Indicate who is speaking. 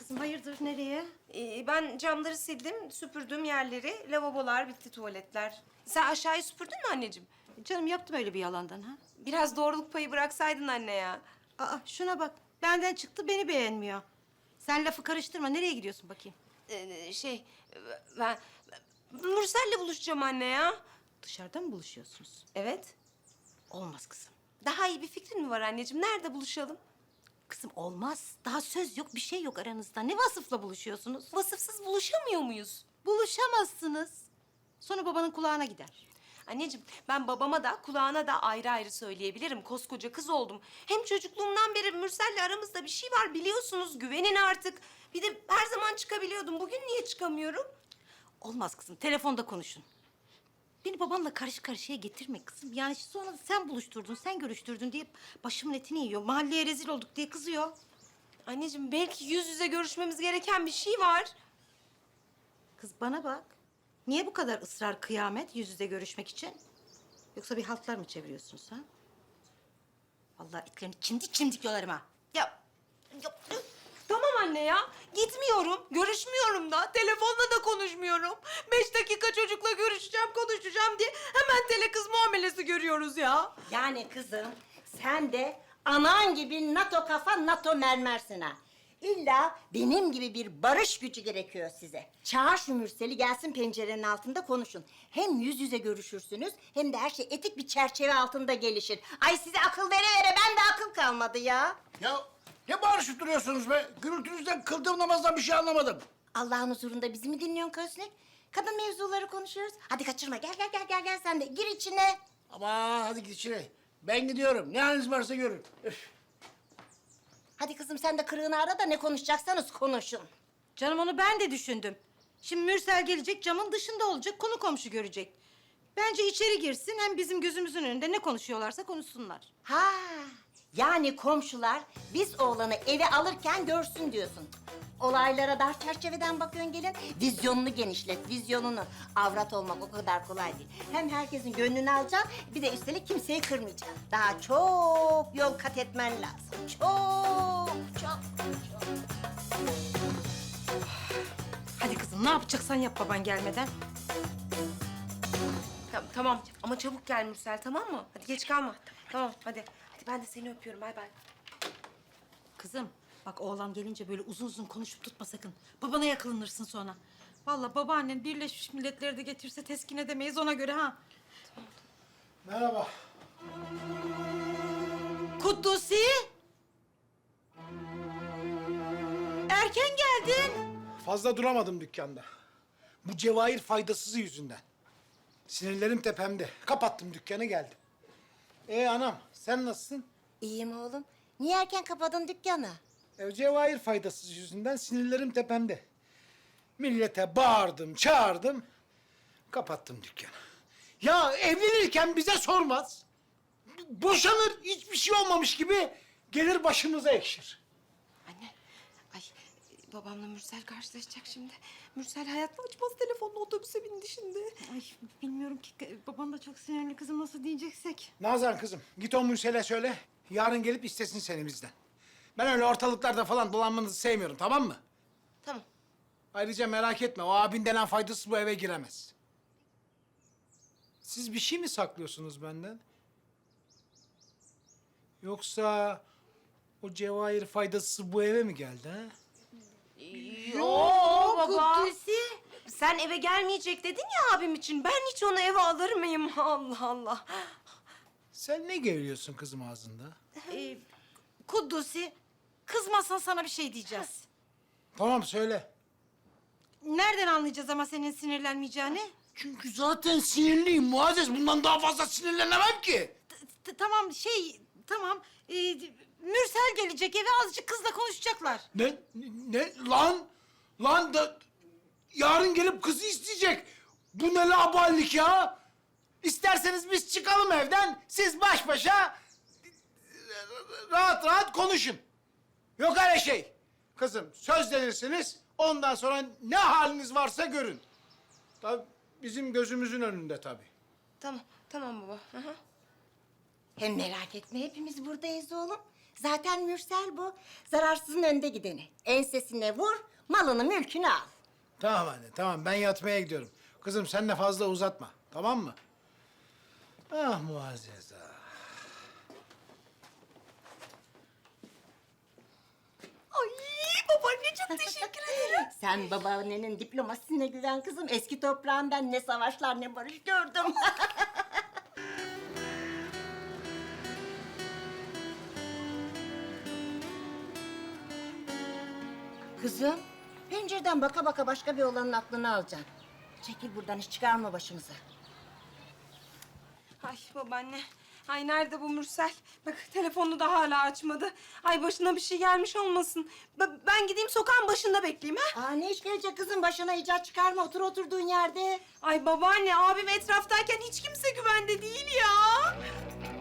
Speaker 1: kızım, hayırdır, nereye?
Speaker 2: Ben camları sildim, süpürdüm yerleri. Lavabolar bitti, tuvaletler. Sen aşağıyı süpürdün mü anneciğim?
Speaker 1: Canım, yaptım öyle bir yalandan ha.
Speaker 2: Biraz doğruluk payı bıraksaydın anne ya.
Speaker 1: Aa, şuna bak, benden çıktı, beni beğenmiyor. Sen lafı karıştırma, nereye gidiyorsun bakayım?
Speaker 2: Ben Mürsel'le buluşacağım anne ya.
Speaker 1: Dışarıda mı buluşuyorsunuz?
Speaker 2: Evet.
Speaker 1: Olmaz kızım.
Speaker 2: Daha iyi bir fikrin mi var anneciğim? Nerede buluşalım?
Speaker 1: Kızım olmaz, daha söz yok, bir şey yok aranızda. Ne vasıfla buluşuyorsunuz?
Speaker 2: Vasıfsız buluşamıyor muyuz?
Speaker 1: Buluşamazsınız. Sonra babanın kulağına gider.
Speaker 2: Anneciğim, ben babama da kulağına da ayrı ayrı söyleyebilirim. Koskoca kız oldum. Hem çocukluğumdan beri Mürsel'le aramızda bir şey var biliyorsunuz. Güvenin artık. Bir de her zaman çıkabiliyordum. Bugün niye çıkamıyorum?
Speaker 1: Olmaz kızım, telefonda konuşun. Beni babanla karşı karşıya getirme kızım. Yani sonra sen buluşturdun, sen görüştürdün diye başımın etini yiyor. Mahalleye rezil olduk diye kızıyor.
Speaker 2: Anneciğim, belki yüz yüze görüşmemiz gereken bir şey var.
Speaker 1: Kız bana bak. Niye bu kadar ısrar kıyamet yüz yüze görüşmek için? Yoksa bir haltlar mı çeviriyorsunuz ha? Vallahi itlerini çimdik çimdik yolarım ha.
Speaker 2: Ya, tamam anne ya. Gitmiyorum, görüşmüyorum da. Telefonla da konuşmuyorum. 5 dakika çocukla görüşeceğim, konuşacağım diye hemen tele kız muamelesi görüyoruz ya.
Speaker 3: Yani kızım sen de anan gibi NATO kafa NATO mermersin ha. İlla benim gibi bir barış gücü gerekiyor size. Çağır şu Mürsel'i gelsin pencerenin altında konuşun. Hem yüz yüze görüşürsünüz hem de her şey etik bir çerçeve altında gelişir. Ay size akıl vere vere ben de akıl kalmadı ya.
Speaker 4: Ya ne bağırışıp duruyorsunuz be? Gürültünüzden kıldığım namazdan bir şey anlamadım.
Speaker 3: Allah'ın huzurunda bizi mi dinliyorsun Kösnek? Kadın mevzuları konuşuyoruz. Hadi kaçırma gel sen de gir içine.
Speaker 4: Ama hadi git içine. Ben gidiyorum. Ne haliniz varsa görün. Üf.
Speaker 3: Hadi kızım sen de kırığını ara da ne konuşacaksanız konuşun.
Speaker 1: Canım onu ben de düşündüm. Şimdi Mürsel gelecek, camın dışında olacak, konu komşu görecek. Bence içeri girsin, hem bizim gözümüzün önünde ne konuşuyorlarsa konuşsunlar.
Speaker 3: Ha, yani komşular biz oğlanı eve alırken görsün diyorsun. Olaylara dar çerçeveden bakıyorsun gelin. Vizyonunu genişlet, vizyonunu. Avrat olmak o kadar kolay değil. Hem herkesin gönlünü alacaksın, bir de üstelik kimseyi kırmayacaksın. Daha çok yol kat etmen lazım. Çok.
Speaker 1: Hadi kızım, ne yapacaksan yap baban gelmeden.
Speaker 2: Tamam ama çabuk gel Mürsel, tamam mı? Hadi geç kalma. Tamam hadi. Hadi ben de seni öpüyorum. Bay bay.
Speaker 1: Kızım, bak oğlan gelince böyle uzun uzun konuşup tutma sakın. Babana yakalanırsın sonra. Vallahi babaannen Birleşmiş Milletleri de getirse teskin edemeyiz ona göre ha.
Speaker 4: Merhaba.
Speaker 1: Kuddusi! Erken geldin.
Speaker 4: Fazla duramadım dükkanda. Bu Cevahir faydasızı yüzünden. Sinirlerim tepemde. Kapattım dükkanı geldim. Anam sen nasılsın?
Speaker 3: İyiyim oğlum. Niye erken kapadın dükkanı?
Speaker 4: Cevahir faydasız yüzünden sinirlerim tepemde. Millete bağırdım, çağırdım. Kapattım dükkanı. Ya evlenirken bize sormaz. Boşanır, hiçbir şey olmamış gibi gelir başımıza ekşir.
Speaker 2: Anne, ay babamla Mürsel karşılaşacak şimdi. Mürsel hayatta açmaz telefonla, otobüse bindi şimdi.
Speaker 1: Ay bilmiyorum ki, baban da çok sinirli kızım, nasıl diyeceksek.
Speaker 4: Nazan kızım, git o Mürsel'e söyle. Yarın gelip istesin seni bizden. Ben öyle ortalıklarda falan dolanmanızı sevmiyorum, tamam mı?
Speaker 2: Tamam.
Speaker 4: Ayrıca merak etme, o abin denen faydasız bu eve giremez. Siz bir şey mi saklıyorsunuz benden? Yoksa o Cevahir faydasız bu eve mi geldi ha?
Speaker 2: Yo baba.
Speaker 1: Kuddusi!
Speaker 2: Sen eve gelmeyecek dedin ya abim için. Ben hiç onu eve alır mıyım? Allah Allah.
Speaker 4: Sen ne geliyorsun kızım ağzında?
Speaker 1: Kuddusi, kızmazsan sana bir şey diyeceğiz.
Speaker 4: Tamam söyle.
Speaker 1: Nereden anlayacağız ama senin sinirlenmeyeceğini?
Speaker 4: Çünkü zaten sinirliyim Muazzez. Bundan daha fazla sinirlenemem ki.
Speaker 1: Tamam, tamam. Mürsel gelecek eve, azıcık kızla konuşacaklar.
Speaker 4: Lan da yarın gelip kızı isteyecek. Bu ne laballik ya? İsterseniz biz çıkalım evden, siz baş başa rahat rahat konuşun. Yok öyle şey. Kızım sözlenirsiniz, ondan sonra ne haliniz varsa görün. Tabii bizim gözümüzün önünde tabii.
Speaker 2: Tamam baba. Hı hı.
Speaker 3: Hem merak etme hepimiz buradayız oğlum. Zaten Mürsel bu. Zararsızın önde gideni. Ensesine vur, malını mülkünü al.
Speaker 4: Tamam anne, tamam. Ben yatmaya gidiyorum. Kızım sen de fazla uzatma, tamam mı? Ah Muazzez ah.
Speaker 2: Ay babaanne çok teşekkür ederim.
Speaker 3: Sen babaannenin diplomasisine güven kızım. Eski toprağından ne savaşlar ne barış gördüm. Kızım, pencereden baka baka başka bir olanın aklını alacaksın. Çekil buradan, hiç çıkarma başımıza.
Speaker 2: Ay babaanne. Ay nerede bu Mürsel? Bak telefonunu da hala açmadı. Ay başına bir şey gelmiş olmasın. Ben gideyim sokağın başında bekleyeyim ha?
Speaker 3: Aa, ne iş gelecek kızım? Başına icat çıkarma, otur oturduğun yerde.
Speaker 2: Ay babaanne abim etraftayken hiç kimse güvende değil ya.